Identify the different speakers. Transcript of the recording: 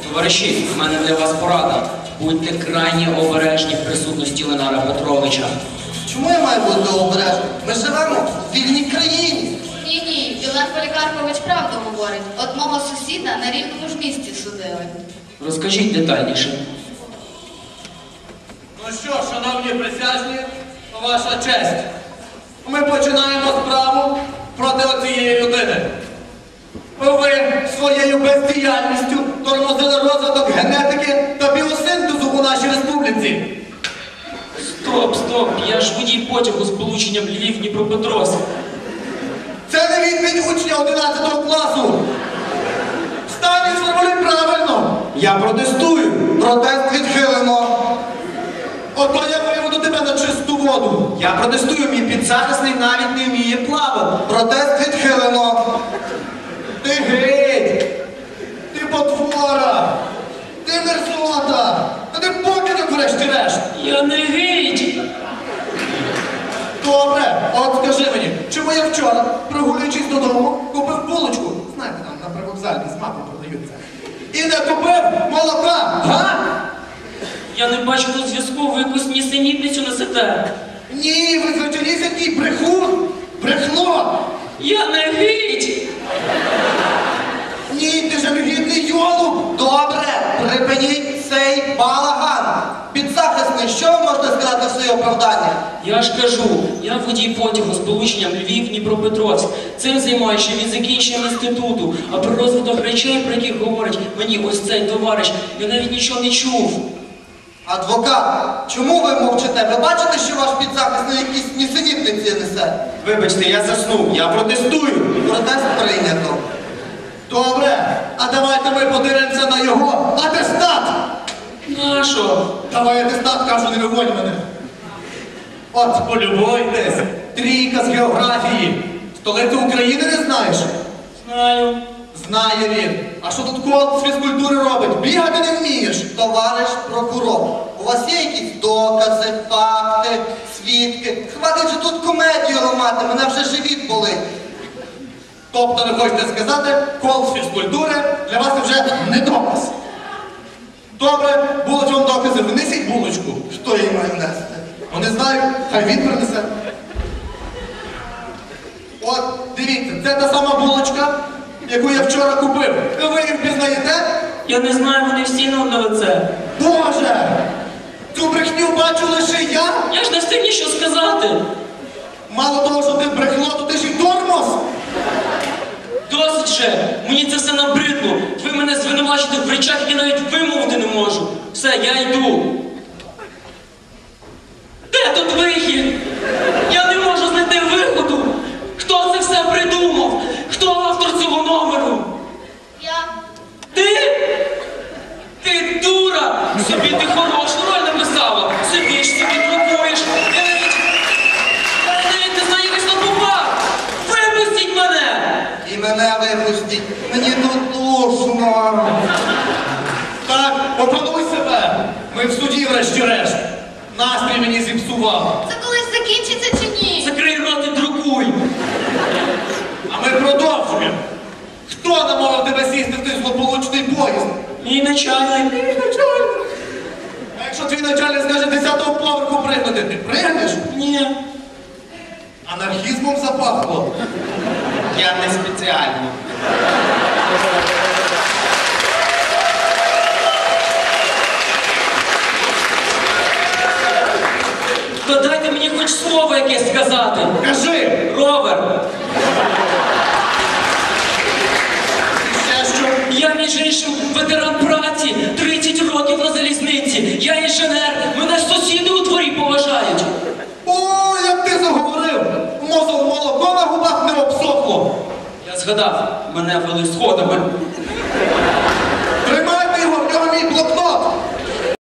Speaker 1: Товариші, в мене для вас порада. Будьте крайні обережні в присутності Ленара Петровича.
Speaker 2: Чому я маю бути обережним? Ми живемо в вільній країні.
Speaker 3: Ні, Ілен Полікарпович правду говорить. Одного сусіда на рівному ж місці судили.
Speaker 1: Розкажіть детальніше.
Speaker 4: Ну що, шановні присяжні, ваша честь. Ми починаємо справу проти оцієї людини. Ви своєю бездіяльністю тормозили розвиток генетики та біосинтезу у нашій республіці.
Speaker 1: Стоп, я ж водій потягу з полученням Львів-Дніпропетровськ.
Speaker 4: Це не відповідь учня 11 класу. Встань і сформулюй правильно.
Speaker 2: Я протестую. Протест відхилено.
Speaker 4: Ото я виведу тебе на чисту воду.
Speaker 2: Я протестую, мій підзахисний навіть не вміє плавати. Протест відхилено.
Speaker 4: Ти геть! Ти потвора! Ти мерзота! Та ти покидок врешті-решт!
Speaker 1: Я не геть!
Speaker 4: Добре, от скажи мені, чому я вчора, прогулюючись додому, купив булочку, знаєте, там на привокзалі з маком продаються, і не купив молока, га?
Speaker 1: Я не бачу тут зв'язку, ви якусь нісенітницю несете.
Speaker 4: Ні, ви звичайнісінький брехун! Брехло!
Speaker 1: Я не геть!
Speaker 4: Ні, ти ж негідний йолуб!
Speaker 2: Добре, припиніть цей балаган. Підзахисний, що ви можете сказати в своє оправдання?
Speaker 1: Я ж кажу, я водій потягу з полученням Львів-Дніпропетровськ. Цим займаюся від закінченням інституту. А про розвиток речей, про яких говорить мені ось цей товариш, я навіть нічого не чув.
Speaker 2: Адвокат, чому ви мовчите? Ви бачите, що ваш підзахисний якісь нісенітниці несе?
Speaker 4: Вибачте, я заснув, я протестую!
Speaker 2: Протест прийнято.
Speaker 4: Добре, а давайте ми подивимося на його атестат!
Speaker 1: Нащо?
Speaker 4: Давай атестат, кажу, не виводь мене. От, полюбуйтесь, трійка з географії. Столицю України не знаєш?
Speaker 1: Знаю.
Speaker 4: Знає він. А що тут кол з фізкультури робить? Бігати не вмієш.
Speaker 2: Товариш прокурор, у вас є якісь докази, факти, свідки? Хватить же тут комедію ламати, мене вже живіт болить.
Speaker 4: Тобто ви хочете сказати, кол з фізкультури для вас це вже не доказ. Добре, будуть вам докази, винесіть булочку.
Speaker 2: Хто її має нести?
Speaker 4: Ну не знаю, хай він принесе. От, дивіться, це та сама булочка, яку я вчора купив. Ви її впізнаєте?
Speaker 1: Я не знаю, вони всі на лице.
Speaker 4: Боже! Цю брехню бачу лише я.
Speaker 1: Я ж не встиг нічого сказати.
Speaker 4: Мало того, що ти брехло, то ти ж і тормоз.
Speaker 1: Досить же! Мені це все набридло. Ви мене звинувачите в речах, які навіть вимовити не можу. Все, я йду. Де тут вихід? Я не можу знайти виходу. Хто це все придумав? Хто автор цього номеру?
Speaker 3: Я.
Speaker 1: Ти? Ти дура! Собі ти хорошу роль написала. Собі ж собі друкуєш. Я навіть не знаю, як я попав. Випустіть мене!
Speaker 2: І мене випустіть, мені тут душно.
Speaker 4: Так, опануй себе. Ми в суді врешті-решт. Настрій мені зіпсував.
Speaker 3: Це колись закінчиться чи ні?
Speaker 1: Закрий рот і друкуй!
Speaker 4: А ми продовжуємо. Хто намовив тебе сісти в той злополучний поїзд?
Speaker 1: Мій начальник.
Speaker 4: А якщо твій начальник скаже 10-го поверху пригнути, ти пригнеш?
Speaker 1: Ні.
Speaker 4: Анархізмом запахло.
Speaker 2: Я не спеціально.
Speaker 1: То дайте мені хоч слово якесь сказати.
Speaker 4: Кажи!
Speaker 1: Ровер.
Speaker 4: Ще що?
Speaker 1: Я, між іншим, ветеран праці, 30 років на залізниці. Я інженер, мене сусіди у дворі поважають.
Speaker 4: О, як ти заговорив! Мозок молоко на губах не обсохло.
Speaker 1: Я згадав, мене вели сходами.
Speaker 4: Тримайте його, в нього мій блокнот.